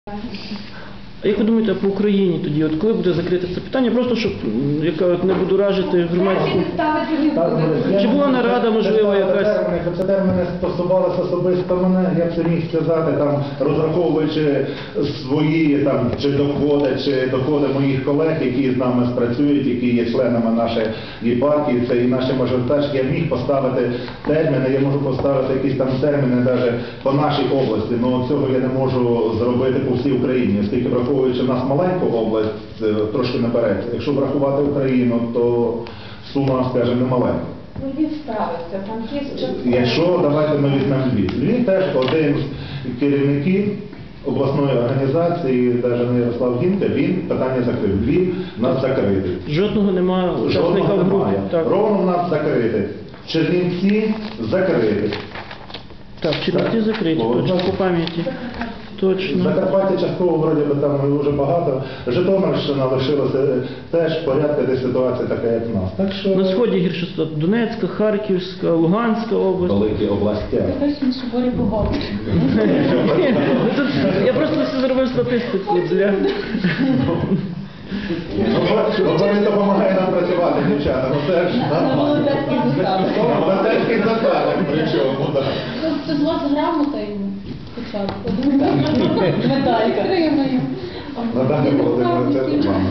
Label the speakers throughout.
Speaker 1: А як ви думаєте, по Україні тоді, от коли буде закрите це питання, просто щоб, яка от не буду ражити громадську... Чи була нарада, можливо, якась?
Speaker 2: Це терміни стосувалися особисто мене, я б це міг сказати, там, розраховуючи свої там, чи доходи моїх колег, які з нами спрацюють, які є членами нашої партії, це і наші мажоритарщики, я міг поставити терміни, я можу поставити якісь там терміни навіть по нашій області, але цього я не можу зробити по всій Україні, оскільки враховуючи в нас маленьку область, трошки наперед, якщо врахувати Україну, то сума, скажімо, не маленька.
Speaker 3: Львів справиться, Франківськ.
Speaker 2: Якщо, давайте ми візьмемо Львів. Львів теж один з керівників обласної організації, навіть не Ярослав Гінка, він питання закрив. Львів у нас закритий.
Speaker 1: Жодного немає учасника в групі.
Speaker 2: Ровно у нас закритий. Чернівці закриті.
Speaker 1: Так, Чернівці закриті, точно, по пам'яті. Точно.
Speaker 2: Закарпаття частково, вроді би, там вже багато. Житомирщина лишилася теж порядка, де ситуація така, як в нас. Так що...
Speaker 1: На сході гірше ситуація. Донецька, Харківська, Луганська область.
Speaker 2: Великі області.
Speaker 3: Точно, що борі погоди.
Speaker 1: Я просто все зробив статистику для...
Speaker 2: Вони допомагає нам працювати, дівчата. Це ж
Speaker 3: Володарський застав.
Speaker 2: володарський застав, причому, так.
Speaker 3: Це з вас грамота йому спочатку. Медалька.
Speaker 2: Наталя Володимирівна, це нормально.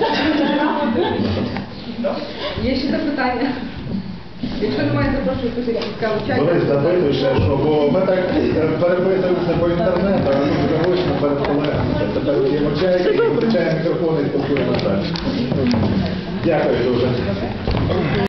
Speaker 4: Є ще запитання? Якщо немає, запрошую після цікаву чай.
Speaker 2: Борис, запитуй ще, що, бо ми так переписуємося по інтернету, а тут заочно перед колегами. Тепер є чай, і включаємо мікрофон і спілкуємося далі. Дякую дуже.